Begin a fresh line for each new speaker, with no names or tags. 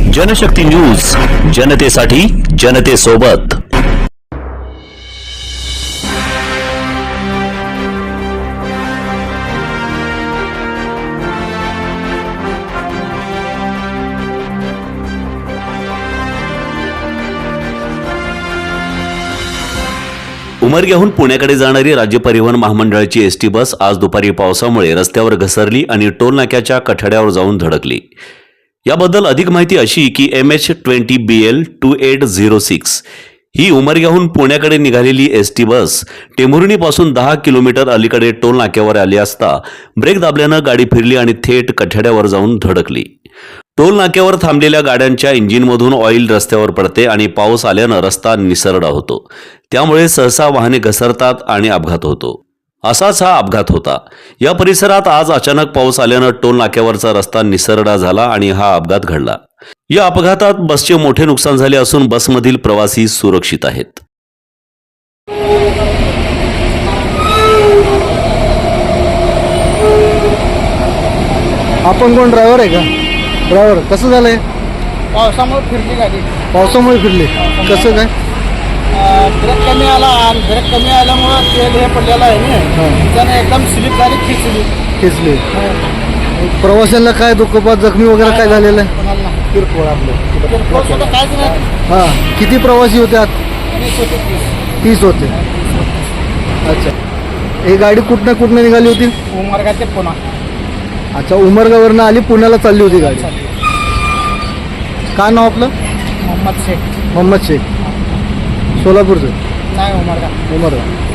Janshakti news, जनतेसाठी जनतेसोबत। उमरग्याहून पुण्याकडे जाणारी राज्य परिवहन महामंडळाची एसटी बस आज दुपारी पावसामुळे रस्त्यावर घसरली आणि टोल नाक्याच्या कठड्यावर जाऊन धडकली। याबद्दल अधिक माहिती अशी की MH20BL 2806 ही उमरग्याहून पुण्याकडे निघालेली एसटी बस टेंभुर्णीपासून 10 किलोमीटर अलीकडे टोल नाक्यावर आली असता ब्रेक दाबल्यानं गाडी फिरली आणि थेट कठड्यावर जाऊन धडकली। टोल नाक्यावर थांबलेल्या गाड्यांच्या इंजिनमधून ऑइल रस्त्यावर पडते आणि पाऊस आल्यानं रस्ता निसरडा होतो, त्यामुळे सहसा वाहने घसरतात आणि अपघात होतो। असाच हा अपघात होता। या परिसरात आज अचानक पाऊस आल्यानं टोल नाक्यावरचा रस्ता निसरडा झाला आणि हा अपघात घडला। या अपघातात बसचे मोठे नुकसान झाले असून बसमधील प्रवासी सुरक्षित आहेत।
आपण कोण ड्रायव्हर आहे का? ड्रायव्हर कसं झालंय?
पावसामुळे फिरली गाडी।
पावसामुळे फिरले कसं काय?
ब्रेक कमी आला आणि ब्रेक कमी आल्यामुळे तेल हे पडलेलं आहे ना, त्याने एकदम स्लिप झाली,
खेचले। प्रवाशांना काय दुखापत जखमी वगैरे काय झालेलं आहे?
किरकोळ आपलं काहीच नाही।
हां, किती प्रवासी होते आत? 30 होते। अच्छा, ही गाडी कुठनं निघाली होती?
उमरगा ते पुणा।
अच्छा, उमरगावरनं आली पुण्याला चालली होती गाडी। काय नाव आपलं?
मोहम्मद शेख।
मोहम्मद शेख, सोलापूरचं?
नाही, उमरगा।
उमरगा।